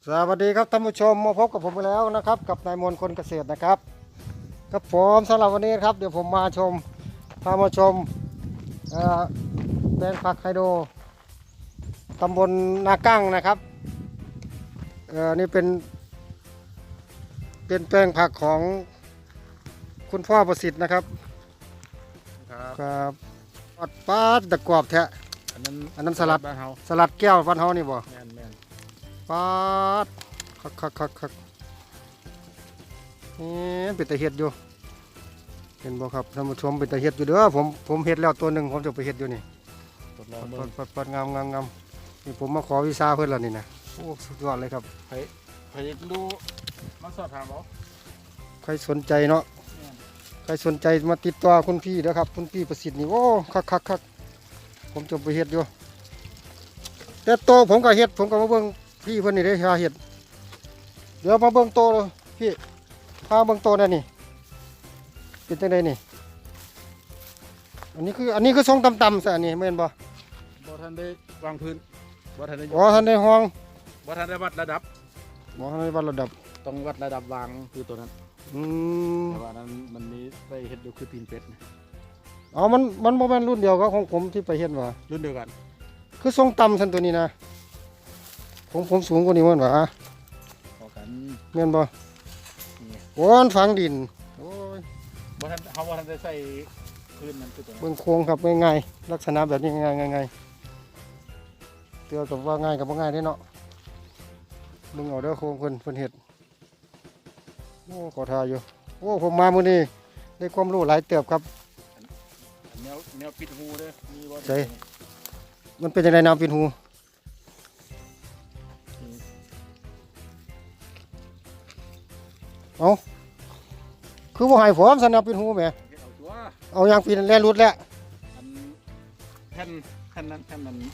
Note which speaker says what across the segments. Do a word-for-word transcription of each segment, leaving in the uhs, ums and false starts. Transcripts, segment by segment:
Speaker 1: สวัสดีครับท่านผู้ชมมาพบกับผมไปแล้วนะครับกับนายมนคนเกษตรนะครับกับผมสำหรับวันนี้ครับเดี๋ยวผมมาชมพามาชมแปลงผักไฮโดรตำบลนากั้งนะครับเอ่อนี่เป็นเป็นแปลงผักของคุณพ่อประสิทธิ์นะครับครับปัดปัดตะกรอบแทะอันนั้นอันนั้นสลัดบ้านเฮาสลัดแก้วบ้านเฮานี่บ่แม่นแม่นปัดคักคักคักคักนี่เป็นตะเฮ็ดอยู่เห็นบ่ครับท่านผู้ชมเป็นตะเฮ็ดอยู่เด้อผมผมเฮ็ดแล้วตัวหนึ่งผมจะไปเฮ็ดอยู่นี่ปัดปัดปัดงามงามงามนี่ผมมาขอวีซ่าเพิ่นแล้วนี่นะโอ้สุดยอดเลยครับ
Speaker 2: ใครใครดูมาสอบถามเขา
Speaker 1: ใครสนใจเนาะใครสนใจมาติดต่อคุณพี่เด้อครับคุณพี่ประสิทธิ์นี่โอ้คักคักคักผมจะไปเฮ็ดอยู่แต่โตผมก็เฮ็ดผมก็มาเบิ่งพี่เพิ่นนี่เด้อเฮ็ดเดี๋ยวมาเบิ่งโตเลยพี่พาเบิ่งโตนั่นนี่เป็นจังไดนี่อันนี้คืออันนี้คือทรงต่ำๆซะอันนี้แม่นบ่
Speaker 2: บ่ทันได้วางพื้นบ่ทันได้
Speaker 1: อ๋อท่านได้ห้อง
Speaker 2: บ่ทันได้วัดระดับ
Speaker 1: บ่ทันได้วัดระดับ
Speaker 2: ต้องวัดระดับวางคือตัวนั้น
Speaker 1: อืม
Speaker 2: แต่ว่านั้นมันมีไปเฮ็ดอยู่คือตีนเป็ดนะ
Speaker 1: อ๋อมันมันบ่แม่นรุ่นเดียวกับของผมที่ไปเฮ็ดว่า
Speaker 2: รุ่นเดียวกัน
Speaker 1: คือทรงต่ำซั่นตัวนี้นะผมผมสูงกว่านี้มันว่า
Speaker 2: พอกัน
Speaker 1: แม่นบ่โอ้ยฝังดินโอ้ย
Speaker 2: บ่ทันเฮาบ่ทันได้ใส่พื้นมันคือตัวนั้น
Speaker 1: เบิ่งโค้งครับง่ายๆลักษณะแบบนี้ง่ายๆง่ายๆเตือกับว่าง่ายกับบ่ง่ายเด้เนาะมึงเอาเด้อโค้งเพิ่นเพิ่นเฮ็ดโอ้ขอทาอยู่โอ้ผมมามื้อนี้ได้ความรู้หลายเติบครับ
Speaker 2: แนวแนวปิดหูเด้อมีบ่
Speaker 1: ใช่มันเป็นจังได๋น้ำปิดหูเอาคือบ่ให้ผมสนับปิดหูแหม
Speaker 2: เอาตัว
Speaker 1: เอายางปีนแล่นรุดแล้ว
Speaker 2: อันแผ่นแผ่นนั้นแผ่นนั้น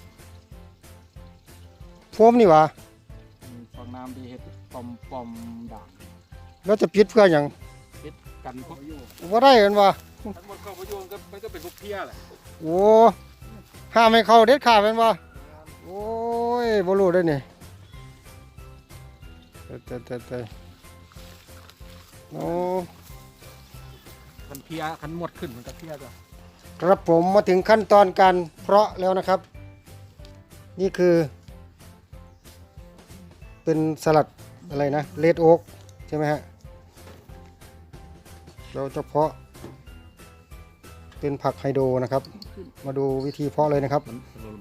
Speaker 1: โฟมนี่หว่า
Speaker 2: ฟองน้ำที่เฮ็ดปอมปอมด่าง
Speaker 1: แล้วจะปิดเพื่อหยัง
Speaker 2: ปิดกันพวกอยู่
Speaker 1: บ่ได้กันว่า
Speaker 2: ทั้งหมดเข้าพยุงก็มันก็เป็นพวกเพี้ยแหละ
Speaker 1: โอ้ห้ามให้เข้าเด็ดขาดแม่นบ่โอ้ยบ่รู้เด้อนี่เตๆๆโอ้
Speaker 2: คันเพียคันหมดขึ้นมันก็เพียจ้ะ
Speaker 1: ครับผมมาถึงขั้นตอนการเพาะแล้วนะครับ นี่คือเป็นสลัดอะไรนะเลดโอ๊กใช่ไหมฮะเราจะเพาะเป็นผักไฮโดรนะครับมาดูวิธีเพาะเลยนะครับ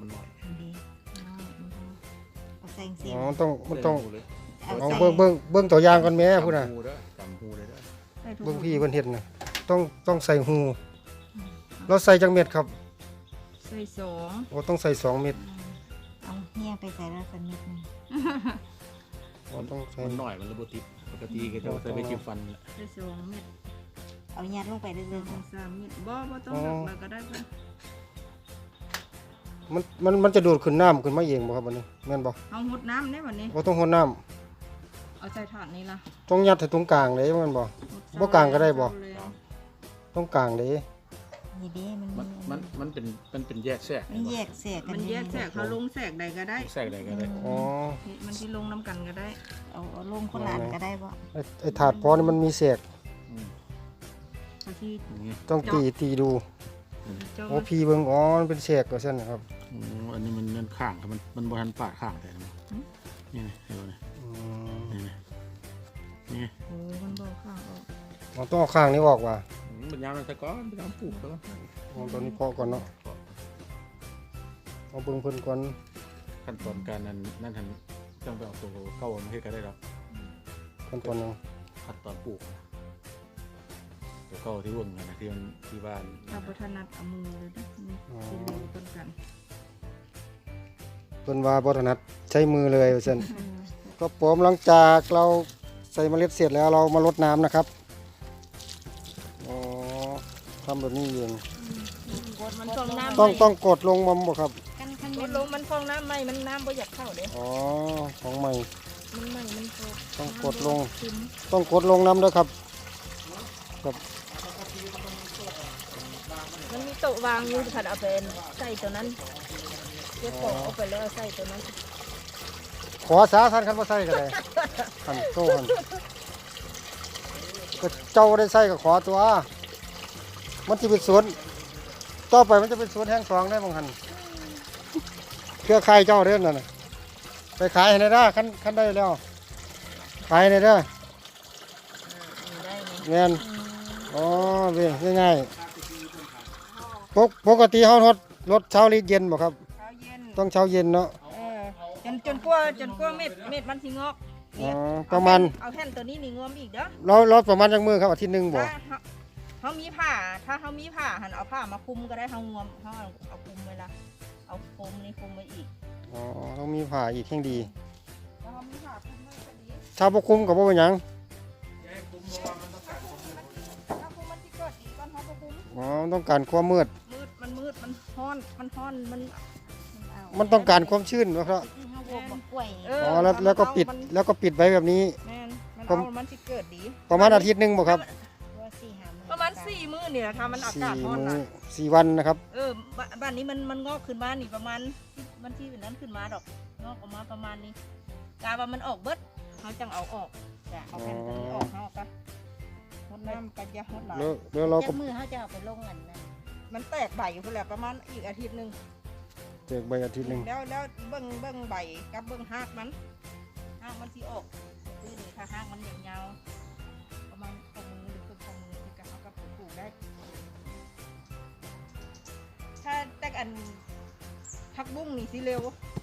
Speaker 1: อ๋อต้องมันต้องเอาเบิ้งเบิ้งเบิ้งตัวอย่างกันแม่พูดนะเบิ้งพี่เพิ่นเห็ดนะต้องต้องใส่หูเราใส่จังเม็ดครับ
Speaker 3: ใส่สอง
Speaker 1: โอ้ต้องใส่สองเม็ด
Speaker 3: เอาเฮียไปใส่แล้วสักนิดนึง
Speaker 1: โอ้ต้องใส่
Speaker 2: หน่อยมันระบบติดปกติก็จะใส่ไปจิ้มฟัน
Speaker 3: ใส่สองเม็ดเอายัดลงไปเรื่อยๆสามเม็ดบ่บ่ต้องหนักก็ได้ป่ะ
Speaker 1: มันมันมันจะดูดขึ้นน้ำขึ้นมาเองบ่ครับวันนี้แม่นบ่
Speaker 3: เอาหดน้ำได้วันนี้
Speaker 1: บ่ต้องหดน้
Speaker 3: ำเอาใส่ถาดนี้ละ
Speaker 1: ต้องยัดให้ตรงกลางเลยแม่นบ่บ่กลางก็ได้บ่ต้องกลางเลย
Speaker 3: นี่ดิ
Speaker 2: มันมันมันเป็นมันเป็นแยกแทรก
Speaker 3: มันแยกแทรกมันแยกแทรกเขาลงแทรกใดก็ได้
Speaker 2: แทรกใดก็ได้
Speaker 1: อ๋อ
Speaker 3: มันที่ลงน้ำกันก็ได้เอาเอาลงคนละอันก็ได้บ่
Speaker 1: ไอ้ถาดพอนี่มันมีแทรกต้องตีตีดูโอ้พี่เบิ่งอ๋อมันเป็นแทรกว่าซั่นนะครับ
Speaker 2: อ๋ออันนี้มันนั่นข้างครับมันมันบ่ทันปาดข้างแต่นี่นี่เห็นบ่นี่นี่นี่
Speaker 3: โอ้มันบ่ข้างออก
Speaker 1: อ๋อต้องเอาข้างนี้ออกว่ะ
Speaker 2: มันยาวแต่ก่อนไปทำปลูกแล้ว
Speaker 1: อ๋อตอนนี้เพาะก่อนเนาะเอาเบิ่งเพิ่นก่อน
Speaker 2: ขั้นตอนการนั้นนั่นทันต้องไปเอาตัวเก่ามาให้ก็ได้หรอก
Speaker 1: ขั้นตอนนึง
Speaker 2: ขั้นตอนปลูกตัวเก่าที่วงนะที่มันที่บ้าน
Speaker 3: ถ้าบ่ถนัดเอามือเลยนะสิเร็วต้นกัน
Speaker 1: เพิ่นว่าบ่ถนัดใช้มือเลยว่าซั่นก็ผมหลังจากเราใส่เมล็ดเสร็จแล้วเรามารดน้ำนะครับอ๋อทำแบบนี้เองต้องต้องกดลงมัมบ่ครับ
Speaker 3: กดลงมันฟองน้ำใหม่มันน้ำบ่อยากเข้าเด้
Speaker 1: อ๋อของใหม่
Speaker 3: มันใหม่มัน
Speaker 1: ต้องกดลงต้องกดลงน้ำด้วยครับครับ
Speaker 3: มันมีโต๊ะวางอยู่ขัดเอาเป็นใส่ตัวนั้นเก็บของเอาไปแล้วใส่ตัวนั้น
Speaker 1: ขอสาท่านคันบ่ใส่ก็ได้คันโซ่คันก็เจ้าได้ใส่ก็ขอตัว มันสิเป็นสวนต่อไปมันจะเป็นสวนแห่งสองได้บางคันเครือข่ายเจ้าเด้อนั่นน่ะไปขายให้ได้เด้อคันคันได้แล้วขายให้ได้เด้อ
Speaker 3: ได้ไหม
Speaker 1: แม่นอ๋อเว้ยง่ายๆปกปกติเฮารถรถเช้าหรือเย็นบ่ครับ
Speaker 3: เช้าเย็น
Speaker 1: ต้องเช้าเย็นเนาะ
Speaker 3: เออจนจนกว่าจนกว่าเม็ดเม็ดมันสิงอก
Speaker 1: อ๋อ
Speaker 3: เนี่ย
Speaker 1: ประมาณ
Speaker 3: เอาแผ่นตัวนี้นี่งวมอีกเด้อ
Speaker 1: เราเราประมาณจักมื้อครับอาทิตย์หนึงบ่
Speaker 3: ถ้าเฮาเขามีผ้าถ้าเขามีผ้าหันเอาผ้ามาคลุมก็ได้เขางวมเขาเอาเอาคลุมไว้ละเอาโฟมนี่คลุมไว้อีก
Speaker 1: อ๋อต้องมีผ้าอีกแห่งดี
Speaker 3: แล้วเขามีผ้าคลุมไว้ก็ดี
Speaker 1: ถ้าบ่คุมก็บ่เป็นหยัง
Speaker 3: ถ้าคลุมมันสิเกิดดีก่อนเขาบ่คลุม
Speaker 1: อ๋อต้องการความมืด
Speaker 3: มืดมันมืดมันฮ้อนมันฮ้อนมัน
Speaker 1: มันต้องการความชื้นเนาะครับ
Speaker 3: ที่เขาบวกบักกล้วยเอ
Speaker 1: อ๋อแล้วแล้วก็ปิด
Speaker 3: มัน
Speaker 1: แล้วก็ปิดไว้แบบนี้
Speaker 3: แม่นมัน
Speaker 1: ผม
Speaker 3: เอามันสิเกิดดี
Speaker 1: ประมาณอาทิตย์หนึงบ่ครับ
Speaker 3: ประมาณสี่มื้อนี่แหละค่ะมันอา
Speaker 1: สี่
Speaker 3: กาศร้อน
Speaker 1: มื้อ
Speaker 3: นะ
Speaker 1: สี่วันนะครับ
Speaker 3: เออบ้านบ้านนี้มันมันงอกขึ้นมานี่ประมาณมันที่นั้นขึ้นมาดอกงอกออกมาประมาณนี้กาว่ามันออกเบิดเขาจังเอาออกจะเอาแผ่นตัวนี้ออกเขาก็หดน้ำกันยาหดหลาย
Speaker 1: แล้วแล้วเราก็
Speaker 4: มือเขาจะเอาไปลงอันนั้น
Speaker 3: มันแตกใบอยู่พุ่นแหละประมาณอีกอาทิตย์หนึ่ง
Speaker 1: เจกใบอาทิตย์หนึง
Speaker 3: แล้วแล้วเบิ้งเบิ้งใบกับเบิ้งหากมันหากมันสิออกคือนี่ถ้าหากมันยาวๆประมาณข้อมือหรือครึ่งข้อมือที่กับเขากับปลูกได้ ถ้าแต่อันผักบุ้งนี่สิเร็ว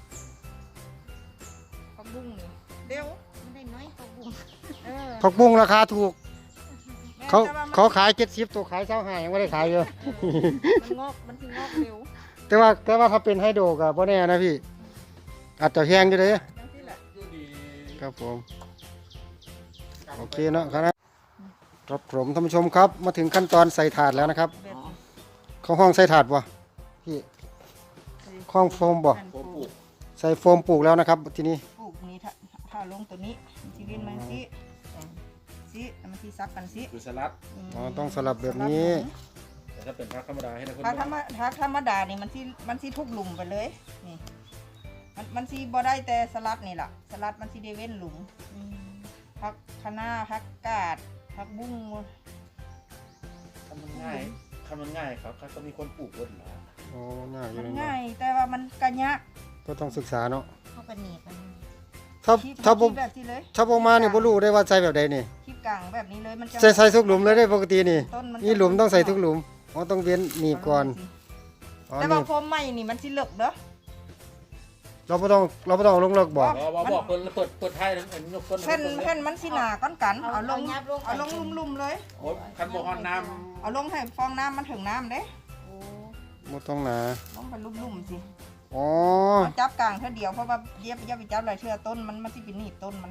Speaker 3: ผักบุ้งนี่เร็ว
Speaker 4: มันได้น้อยกว่าบุ้ง
Speaker 3: เออ
Speaker 1: ผักบุ้งราคาถูก
Speaker 3: แม่
Speaker 1: เขา
Speaker 3: แต่ว่มัน
Speaker 1: เขาขายเจ็ดสิบตัวขายเช้าหายังไม่ได้ขายอยู่
Speaker 3: มันงอกมันสิงอกเร็ว
Speaker 1: แต่ว่าแต่ว่าเขาเป็นไฮโดรกับพ่อแน่นะพี่ อาจจะแพงอยู่เลย
Speaker 3: จังซี่แหละ
Speaker 1: ครับผมโอเคเนาะครับครับผมท่านผู้ชมครับมาถึงขั้นตอนใส่ถาดแล้วนะครับ
Speaker 3: แบบ
Speaker 1: เข้าห้องใส่ถาดบ่พี่ห้องโฟมบ่
Speaker 3: อันปลูก
Speaker 1: ใส่โฟมปลูกแล้วนะครับทีนี้
Speaker 3: ปลูกนี่ถ้าถ้าลงตัวนี้มันสิเว้นมันสิสิมันสิซักกันสิ
Speaker 2: คือสลัด
Speaker 3: ม
Speaker 1: อ๋อต้องสลับแบบนี้
Speaker 2: แต่ถ้าเป็นพักธรรมดาให้นะคน
Speaker 3: ถ้าธรรมถ้าธรรมดานี่มันสิมันสิทุกหลุมไปเลยนี่มันมันสิบ่ได้แต่สลัดนี่ล่ะสลัดมันสิได้เว้นหลุมผักคะน้าผักกาดผักบุ้ง
Speaker 2: ทำมันง่ายทำมันง่ายครับเขาก็มีคนปลูกเยอะอยู่แล้ว
Speaker 1: โอ้ง่ายอยู่
Speaker 3: มัน
Speaker 1: เลย
Speaker 3: ง่ายแต่ว่ามันกะยะ
Speaker 1: ก็ต้องศึกษาเนาะ
Speaker 4: เขาก็หนีบมัน
Speaker 1: ถ้า
Speaker 3: คิด
Speaker 1: ถ้าบ่
Speaker 3: คิดแบบที่เลย
Speaker 1: ถ้าบ่มานี่บ่รู้ได้ว่าใส่แบบใดนี่
Speaker 3: คลิปกลางแบบนี้เลยมันจะ
Speaker 1: ใส่ใส่ทุกหลุมเลยได้ปกตินี่
Speaker 3: ต้นมัน
Speaker 1: นี่หลุมต้องใส่ทุกหลุมอ๋อต้องเว้นหนีบก่อนอ๋อ
Speaker 3: แต่
Speaker 1: นี่
Speaker 3: ว่าพรมใหม่นี่มันสิเลิกเด้อ
Speaker 1: เราบ่ต้องเราบ่ต้องเอาลงเลิกบ่
Speaker 3: อ๋อ
Speaker 2: บอกบอกเปิดเปิดเปิดไทยทั้งเห็นยกต้น
Speaker 3: แผ่นแผ่นมันสิหนาก้อนกัน
Speaker 4: เอา
Speaker 3: เอาลง
Speaker 4: ยับลง
Speaker 3: เอาลงลุ่มๆเลย
Speaker 2: โอ้คันโบฮอนน้
Speaker 3: เอาลงให้ฟองน้ำมันถึงน้ำเด้
Speaker 4: โอ้
Speaker 1: บ่ต้องหนา
Speaker 3: ลงไปลุ่มๆสิ
Speaker 1: อ๋อ
Speaker 3: เอาจับกลางเท่าเดียวเพราะว่าเยียบเยียบไปจับหลายเทื่อต้นมันมันสิเป็นหนีบต้นมัน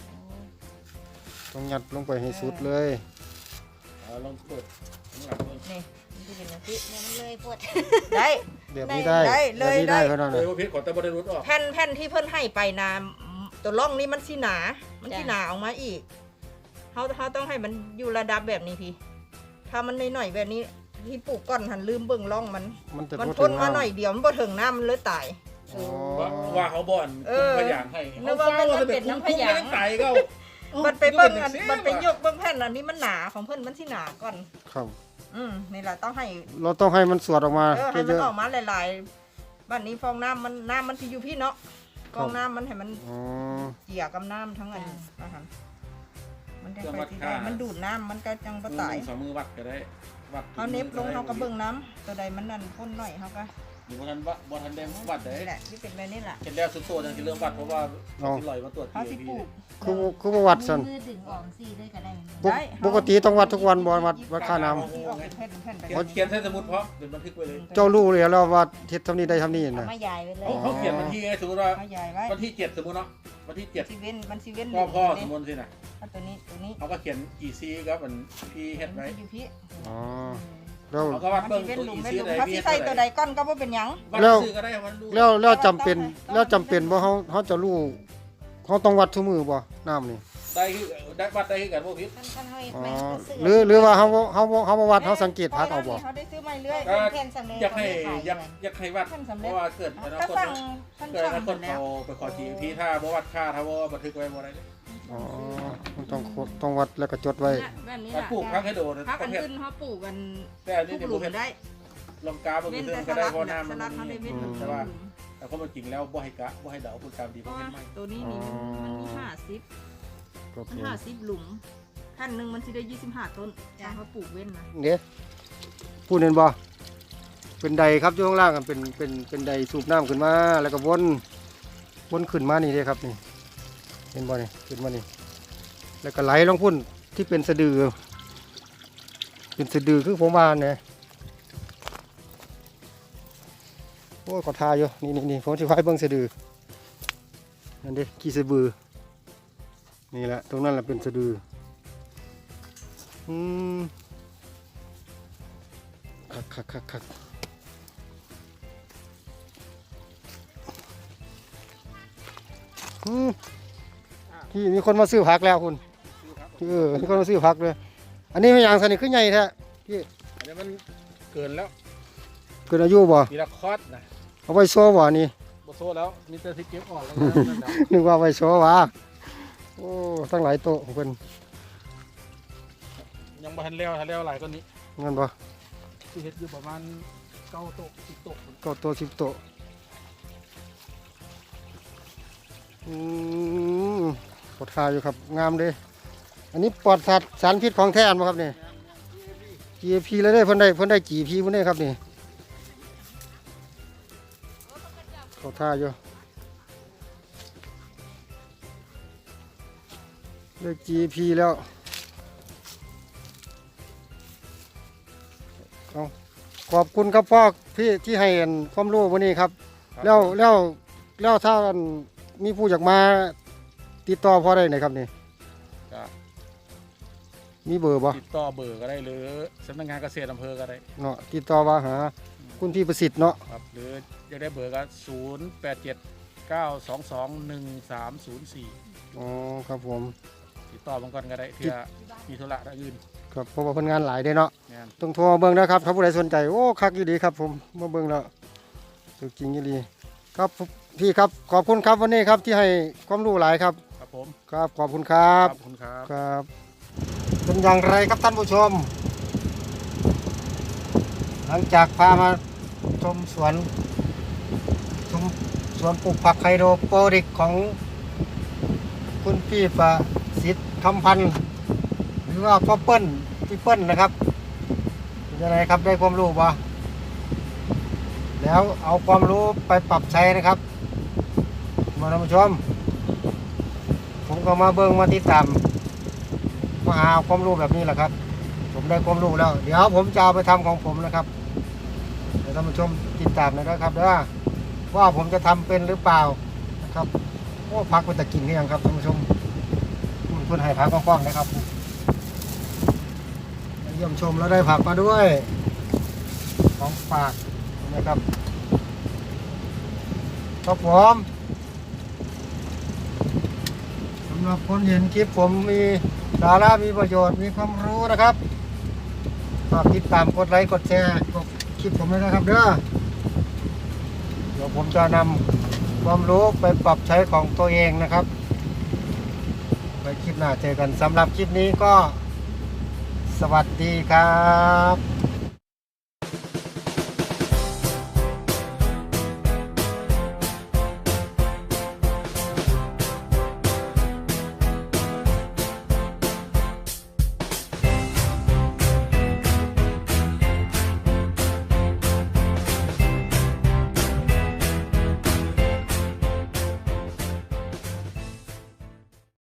Speaker 1: ต้องยัดลงไปให้สุดเลย
Speaker 2: ำเอาลองเปิดข้างหลังเลย
Speaker 3: นี่มันสิเป็นอย่างนี้
Speaker 4: เนี่ยมันเลยปวด
Speaker 3: ได้
Speaker 1: แบบนี้ได้
Speaker 3: ได้
Speaker 1: แบ
Speaker 3: เล
Speaker 1: บ
Speaker 3: ย
Speaker 1: นี้ได้
Speaker 3: ได้
Speaker 1: เท่านั้น
Speaker 2: เลย
Speaker 1: น่ะ
Speaker 2: ว่าพิษขอแต่บริรุษออก
Speaker 3: แผ่นแผ่นที่เพิ่นให้ไปนาตัวร่องนี่มันสิหนา มันสิหนาออกมาอีกเขาเขาต้องให้มันอยู่ระดับแบบนี้พี่ ถ้ามันหน่อยๆแบบนี้ที่ปลูกก้อนหันลืมเบิ่งร่องมัน
Speaker 1: มันจะ
Speaker 3: มัน
Speaker 1: บ่
Speaker 3: พ่น
Speaker 1: ถึง
Speaker 3: มาหน่อยเดียวมันบ่ถึงน้ำมันเลยตาย
Speaker 1: อ๋อ
Speaker 2: ว่าว่าเขาบ่อน
Speaker 3: เอ
Speaker 2: คุ
Speaker 3: อ
Speaker 2: มขยางให้
Speaker 3: นึกว่ามันเป็นน้ำขยาง
Speaker 2: คุ้มๆไม่ได้ไก่ก็
Speaker 3: มันไปเบิ่งอันมันไปยกเบิ่งแผ่นอันนี้มันหนาของเพิ่นมันสิหนาก่อน
Speaker 1: ครับ
Speaker 3: อืมนี่แหละต้องให้
Speaker 1: เราต้องให้มันสวดออกมา
Speaker 3: เออให้
Speaker 1: เย
Speaker 3: มัน
Speaker 1: อะ
Speaker 3: ออกมาหลายๆบ้านนี้ฟองน้ำมันน้ำมันสิอยู่พี่เนาะฟองน้ำมันให้มัน
Speaker 1: ๆอ๋อ
Speaker 3: เกี่ยกับน้ำทั้งอันอาหารมันได้ไปที่ได้มันดูดน้ำมันก็จังบ่ตาย
Speaker 2: มือหนึ่งสองมือวัดก็ได้วัด
Speaker 3: เขาเน็บลงเขาก็เบิ่งน้ำตัวใดมันนั่นพ่นหน่อยเขาก็
Speaker 2: อยู่บนทันวัดบนทันแดงวัดได้
Speaker 3: นี่แหละที่เป็นแบบนี้แหละ
Speaker 2: เห็นแล้วสุดโต่งที่เริ่มวัดเพราะว่าที่ลอยมาตรวจ
Speaker 3: เขาสิปลูก
Speaker 1: คือคือบ่วัดซั่น
Speaker 4: มือดึงออกสิเลยก็ได้
Speaker 1: ปกปกติต้องวัดทุกวันบ่วัดวัดค่าน้ำ
Speaker 3: ที่ออกเป็นแผ่นเป็นแผ่นไป
Speaker 2: เขาเขียนใส่สมุดเพราะเป็นบันทึกไว้เลย
Speaker 1: เจ้ารู้เลยแล้วว่าเฮ็ดเท่านี้ได้เท่านี้
Speaker 4: เอา
Speaker 1: น่ะ
Speaker 4: มาใหญ่ไปเลย
Speaker 2: เขาเขียนวันที่ไงสมมติว่า
Speaker 3: เขาใหญ่ไว้
Speaker 2: วันที่เจ็ดสมมติเนาะวันที่เจ็ด
Speaker 3: ซีเว้นมันซีเว้น
Speaker 2: พ่อพ่อส
Speaker 3: นี่
Speaker 2: มมติสินะ
Speaker 3: เอาตัวนี้ตัวนี้
Speaker 2: เขาก็เขียนอีซีครับมันพี่เฮ็ดไว้
Speaker 3: อยู่พี่
Speaker 1: อ๋อแล้ว
Speaker 2: เขาก็วัด
Speaker 3: มัน
Speaker 2: เบิ่ง
Speaker 3: ซีเว้น
Speaker 2: ตัว
Speaker 3: หลุ
Speaker 2: อี
Speaker 3: มไม่
Speaker 2: ซี
Speaker 3: หลุม
Speaker 2: ได้
Speaker 3: เขา
Speaker 2: พี่
Speaker 3: ซี
Speaker 2: เฮ็ด
Speaker 3: ใส่
Speaker 2: อะ
Speaker 3: ตัว
Speaker 2: ไร
Speaker 3: ใดก้อนก็บ่เป็นหยัง
Speaker 2: วัดซื้อก็ได้วันดู
Speaker 1: แล้วแล้วจำเป็นแล้วจำเป็นบ่เฮาเฮาจะรู้เฮาต้องวัดทุกมื้อบ่น้ำนี่
Speaker 2: ได้คือได้วัดได้คือกันบ่ผิด
Speaker 4: ท่านท่านเฮา
Speaker 1: อ๋อ
Speaker 4: ไม่ก็ซื้
Speaker 1: หรือหรือว่าเฮาบ่เฮาบ่เฮาบ่วัดเฮาสังเกตพักเอาบ่
Speaker 3: เขาได้ซื้อมาเรื่อย
Speaker 2: ก็
Speaker 4: เป็นแผ่นสำเร็จ
Speaker 2: อยากให้
Speaker 4: เขไม่ข
Speaker 2: อยาก
Speaker 4: กัน
Speaker 2: อยากให้วัด
Speaker 3: ท่านสำ
Speaker 2: เพ
Speaker 3: เร็จ
Speaker 2: ราะว่าเกิดอนา
Speaker 3: ก็
Speaker 2: คต
Speaker 3: สั่งท่าน
Speaker 2: เกิดอ
Speaker 3: สั่ง
Speaker 2: นา
Speaker 3: ห
Speaker 2: ค
Speaker 3: ม
Speaker 2: ต
Speaker 3: ดแล้ว
Speaker 2: เขาไปขอทีพี่ถ้าบ่วัดค่าถ้าบ่บันทึกไว้บ่ได้
Speaker 1: อ๋อมันต้องโคดต้องวัดแล้วก็จดไว้
Speaker 3: แบบนี้
Speaker 2: ถ้า
Speaker 3: แหละ
Speaker 2: ปลูกพักให้โดน
Speaker 3: พัก
Speaker 2: ป
Speaker 3: อั
Speaker 2: ระ
Speaker 3: น
Speaker 2: เภท
Speaker 3: ขึ้นเขาปลูกกัน
Speaker 2: แต่อันนี้
Speaker 3: ทุก
Speaker 2: เนี่ย
Speaker 3: หลุ
Speaker 2: ประ
Speaker 3: ม
Speaker 2: เภท
Speaker 3: ได้
Speaker 2: ลองกาบ่
Speaker 3: เว้น
Speaker 2: คือ
Speaker 3: แต่
Speaker 2: ก็
Speaker 3: ส
Speaker 2: ได้
Speaker 3: ลัด
Speaker 2: เพราะ
Speaker 3: เนี่ย
Speaker 2: น้ำ
Speaker 3: ส
Speaker 2: มัน
Speaker 3: ลัดเขาได้เว้น
Speaker 1: อืม
Speaker 2: แต่ว่าแต่ความเป็นจริงแล้วบ่ให้กะบ่ให้เดาพูดตามดี
Speaker 3: เพ
Speaker 2: บ่
Speaker 3: ราะ
Speaker 2: เห็
Speaker 3: ว่าน
Speaker 2: ไหม
Speaker 3: ตัวนี้นี่มันมีห้าสิบ
Speaker 1: ก็
Speaker 3: มัน
Speaker 1: เป็น
Speaker 3: ห้าสิบหลุมแผ่นหนึ่งมันสิได้ยี่สิบห้าต้นถ้าเขาปลูกเว้นนะ
Speaker 1: เด้พูดเห็นบ่เป็นใดครับอยู่ข้างล่างกันเป็นเป็นเป็นใดสูบน้ำขึ้นมาแล้วก็วนวนขึ้นมานี่เด้ครับนี่เห็นบ่นี่ขึ้นมานี่แล้วก็ไหลลงพุ่นที่เป็นสะดือเป็นสะดือคือผมว่าเนี่ยโอ้ยขอทาอยู่นี่นี่นี่ผมสิพายเบิ่งสะดือนั่นเด้ขี้สะบือนี่แหละตรงนั้นแหละเป็นสะดืออืมคักคักคักคักอืมพี่มีคนมาซื้อผักแล้วคุณเออมีคนมาซื้อผักเลยอันนี้ไม่อย่างสนิทขึ้นใหญ่แท้พี่
Speaker 2: อันนี้มันเกินแล้ว
Speaker 1: เกินอายุบ่
Speaker 2: มีละคอดนะ
Speaker 1: เอาไว้โซ่บ่นี่
Speaker 2: บ่โซแล้วมีแต่ที่เก็บออกแล้วนั่นน่ะ
Speaker 1: นึกว่าไว้โซ่วะโอ้ตั้งหลายโต๊ะของเพิ่น
Speaker 2: ยังบ่ทันแล้วทันแล้วหลายกว่านี้
Speaker 1: งั้นบ่
Speaker 2: ที่เฮ็ดอยู่ประมาณเก้าโต๊ะสิบโต๊ะ
Speaker 1: เก้าโต๊ะสิบโต๊ะอืมปวดขาอยู่ครับงามเด้อันนี้ปลอดสัตว์สารพิษของแท้อันบ่ครับนี่ จี เอ พี เลยได้เพิ่นได้เพิ่นได้ จี พี เพิ่นได้ครับนี่เขาท่าอยู่ได้ จี พี แล้วเอาขอบคุณครับพ่อพี่ที่ให้อันความรู้วันนี้ครับ แล้วแล้วแล้วถ้าอันมีผู้อยากมาติดต่อพ่อได้ไหนครับนี่
Speaker 2: ก็
Speaker 1: มีเบอร์บ่
Speaker 2: ติดต่อเบอร์ก็ได้หรือสำนักงานเกษตรอำเภอก็ได้
Speaker 1: เนาะติดต่อมาหาคุณพี่ประสิทธิ์เนาะ
Speaker 2: ครับหรืออยากได้เบอร์ก็ศูนย์แปดเจ็ดเก้าสองสองหนึ่งสามศูนย์สี่
Speaker 1: อ๋อครับผม
Speaker 2: ติดต่อมาก่อนก็ได้เพื่อมีธุระทางอื่น
Speaker 1: ครับเพราะว่าเพิ่นงานหลายเด้เนาะ
Speaker 2: งาน
Speaker 1: ต้องโทรมาเบิ่งนะครับถ้าผู้ใดสนใจโอ้คักอยู่ดีครับผมมาเบิ่งแล้วสุดจริงอยู่ดีครับพี่ครับขอบคุณครับวันนี้ครับที่ให้ความรู้หลายครับ
Speaker 2: ครับผม
Speaker 1: ครับขอบคุณครับ
Speaker 2: ขอบคุณครับ
Speaker 1: ครับเป็นอย่างไรครับท่านผู้ชม หลังจากพามาชมสวนชมสวนปลูกผักไคโดโปริกของคุณพี่ประสิทธิ์คำพันธ์หรือว่าพ่อเปิ้ลพี่เปิ้ลนะครับเป็นยังไงครับได้ความรู้บ่แล้วเอาความรู้ไปปรับใช้นะครับมาท่านผู้ชม ผมก็มาเบิ่งมาติดตามมาหาความรู้แบบนี้แหละครับ ผมได้ความรู้แล้ว เดี๋ยวผมจะเอาไปทำของผมนะครับเดี๋ยวท่านผู้ชมติดตามนะครับเด้อว่าผมจะทำเป็นหรือเปล่านะครับโอ้พักไปตะกินหรือยังครับท่านผู้ชมเพื่อนให้พักกว้างๆนะครับเยี่ยมชมแล้วได้ผักมาด้วยของฝากนะครับครับผมสำหรับคนเห็นคลิปผมมีสาระมีประโยชน์มีความรู้นะครับฝากติดตามกดไลค์กดแชร์กดคลิปผมด้วยนะครับเด้อเดี๋ยวผมจะนำความรู้ไปปรับใช้ของตัวเองนะครับไว้คลิปหน้าเจอกันสำหรับคลิปนี้ก็สวัสดีครับ